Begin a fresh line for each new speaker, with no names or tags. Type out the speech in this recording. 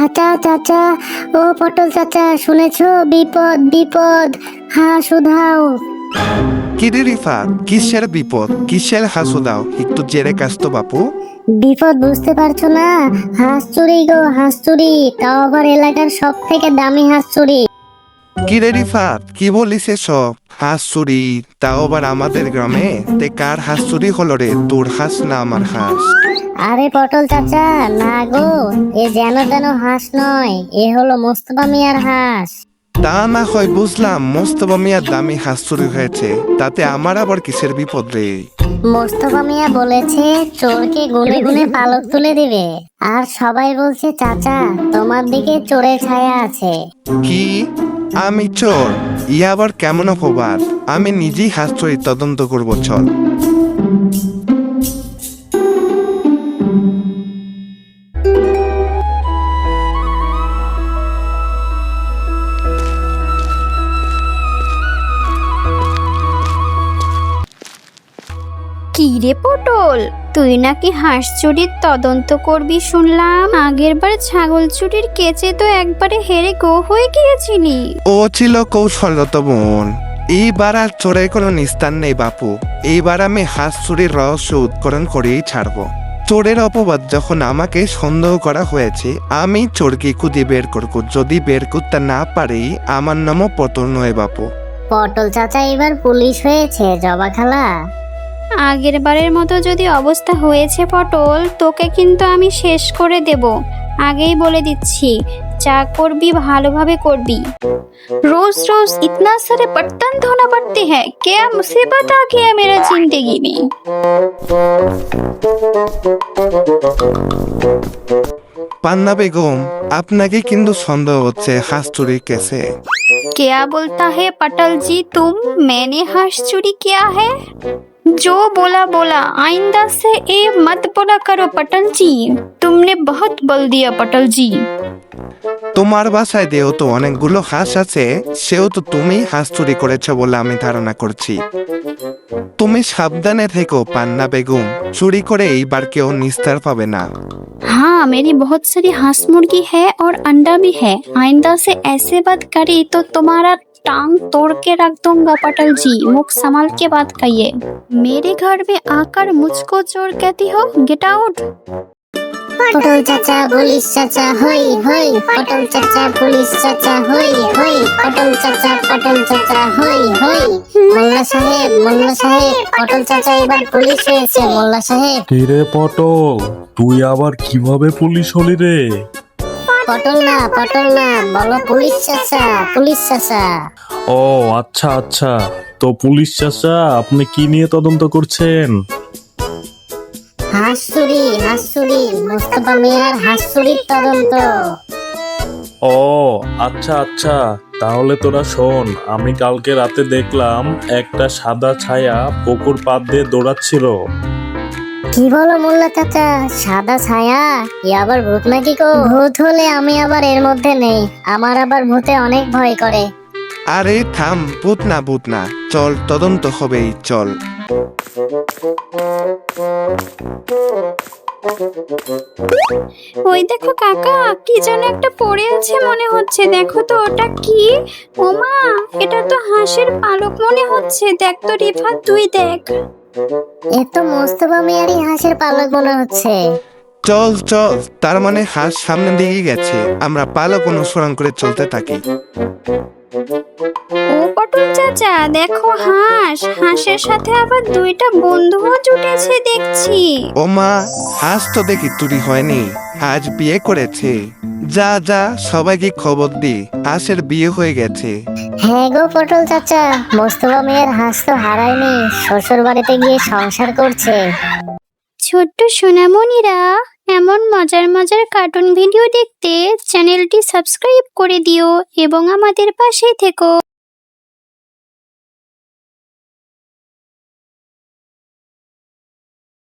চাচা চাচা, ও পটল চাচা, শুনেছো? বিপদ বিপদ, হাঁস উধাও।
কিরে রিফাত, কিসের বিপদ, কিসের হাসু দাও? একটু জেরে কাজ তো বাপু।
বিপদ বুঝতে পারছো না? হাঁস চুরি গো, হাঁস চুরি, তাও আবার এলাকার সব থেকে দামি হাঁস চুরি।
কিরে রিফাত, কি বলিস এসব? হাঁস চুরি, তাও আবার আমাদের গ্রামে? তে কার হাঁস চুরি হলো রে? তোর হাঁস না আমার হাঁস?
আরে পটল চাচা, না গো, এ যেন তেন হাঁস নয়, এ হলো মোস্তফা মিয়ার হাঁস।
তা না হয় বুঝলাম, মোস্তফা মিয়ার দামি হাঁস চুরি হয়েছে, তাতে আমার আবার কিসের বিপদ রে?
মোস্তফা মিয়া বলেছে চোরকে গুনে গুনে পালক তুলে দিবে, আর সবাই বলছে চাচা তোমার দিকে চোরের ছায়া আছে।
কি? আমি চোর? ইয়া আবার কেমন অপবাদ? আমি নিজেই হাঁস চুরির তদন্ত করবো, চল।
কি রে পটল, তুই নাকি হাঁস চুরির তদন্ত করবি শুনলাম? আগের বার ছাগল চুরির কেচে তো একবারে হেরে গো হয়ে গিয়েছিলি।
ও ছিল কৌশলগত বোন। এইবার আর চোরের কোনো নিস্তার নেই বাপু। এইবার আমি হাঁস চুরির রহস্য উৎকরণ করেই ছাড়বো। চোরের অপবাদ যখন আমাকে সন্দেহ করা হয়েছে, আমি চোরকে খুঁজে বের করবো। যদি বের করতে না পারি, আমার নামও পটল নয় বাপু।
পটল চাচা এবার পুলিশ হয়েছে জবা খালা।
আগের বারের মতো যদি অবস্থা হয়েছে পটল, তোকে কিন্তু আমি শেষ করে দেব, আগেই বলে দিচ্ছি। যা করবি ভালোভাবে করবি। रोज रोज इतना सारे बर्तन धोना पड़ते हैं, क्या मुसीबत आ गया मेरा जिंदगी में।
পান্না বেগম, আপনাকে কিন্তু সন্দেহ হচ্ছে হাঁস চুরির কেসে।
क्या बोलता है पटल जी तुम? मैंने हाथ चोरी किया है? जो बोला बोला, आइंदा से ये मत बोला करो पटल जी, तुमने बहुत बोल दिया पटल जी।
তোমার বাসায় যেহেতু অনেকগুলো হাঁস আছে, সেহেতু তুমি হাঁস চুরি করেছো বলে আমি ধারণা করছি। তুমি সাবধানে থেকো পান্না বেগম, চুরি করে এইবার কেউ নিস্তার পাবে না।
हाँ, मेरी बहुत सारी हांस मुर्गी है और अंडा भी है। आइंदा से ऐसे बात करी तो तुम्हारा टांग तोड़ के रख दूंगा पटल जी, मुख संभाल के बात कहिए। मेरे घर में आकर मुझको चोर कहती हो? Get out.
পটল চাচা পুলিশ চাচা হই হই, পটল চাচা পুলিশ চাচা হই হই, পটল চাচা হই হই। মোল্লা সাহেব, মোল্লা সাহেব, পটল চাচা এবার পুলিশ হয়েছে মোল্লা সাহেব।
কিরে পটল, তুই আবার কিভাবে পুলিশ হলি রে?
পটল না বলো পুলিশ চাচা, পুলিশ চাচা।
ও আচ্ছা আচ্ছা, তো পুলিশ চাচা আপনি কি নিয়ে তদন্ত করছেন?
হাঁস চুরি, মোস্তফা মিয়ার হাঁস চুরির তদন্ত।
ও আচ্ছা আচ্ছা, তাহলে তোরা শোন, আমি কালকে রাতে দেখলাম একটা সাদা ছায়া পুকুর পাড় দিয়ে দৌড়াচ্ছিল।
কি বলো মোল্লা চাচা, সাদা ছায়া? ই আবার ভূত নাকি গো? ভূত হলে আমি আবার এর মধ্যে নেই, আমার আবার ভূতে অনেক ভয় করে।
আরে থাম, ভূত না, চল তদন্ত হবেই, চল।
ওই দেখো কাকা, কি যেন একটা পড়ে আছে মনে হচ্ছে, দেখো তো ওটা কি? ওমা, এটা তো হাঁসের পালক মনে হচ্ছে। দেখ তো রিফাত, তুই দেখ।
এ তো মোস্তফা মিয়ারই হাঁসের পালক মনে হচ্ছে।
চল, তার মানে হাঁস সামনের দিকে গেছে, আমরা পালক অনুসরণ করে চলতে থাকি।
ও পটল চাচা, দেখো হাঁসের সাথে আবার দুইটা বন্ধুও জুটেছে দেখছি।
ও মা, হাঁস তো দেখি চুরি হয়নি, আজ বিয়ে করেছে। যা সবাইকে খবর দি, হাঁসের বিয়ে হয়ে গেছে।
হ্যাঁ গো পটল চাচা, মোস্তফা মিয়ার হাঁস তো হারায়নি, শ্বশুর বাড়িতে গিয়ে সংসার করছে।
ছোট্ট সোনামণিরা, এমন মজার মজার কার্টুন ভিডিও দেখতে চ্যানেলটি সাবস্ক্রাইব করে দিও এবং আমাদের পাশেই থেকো।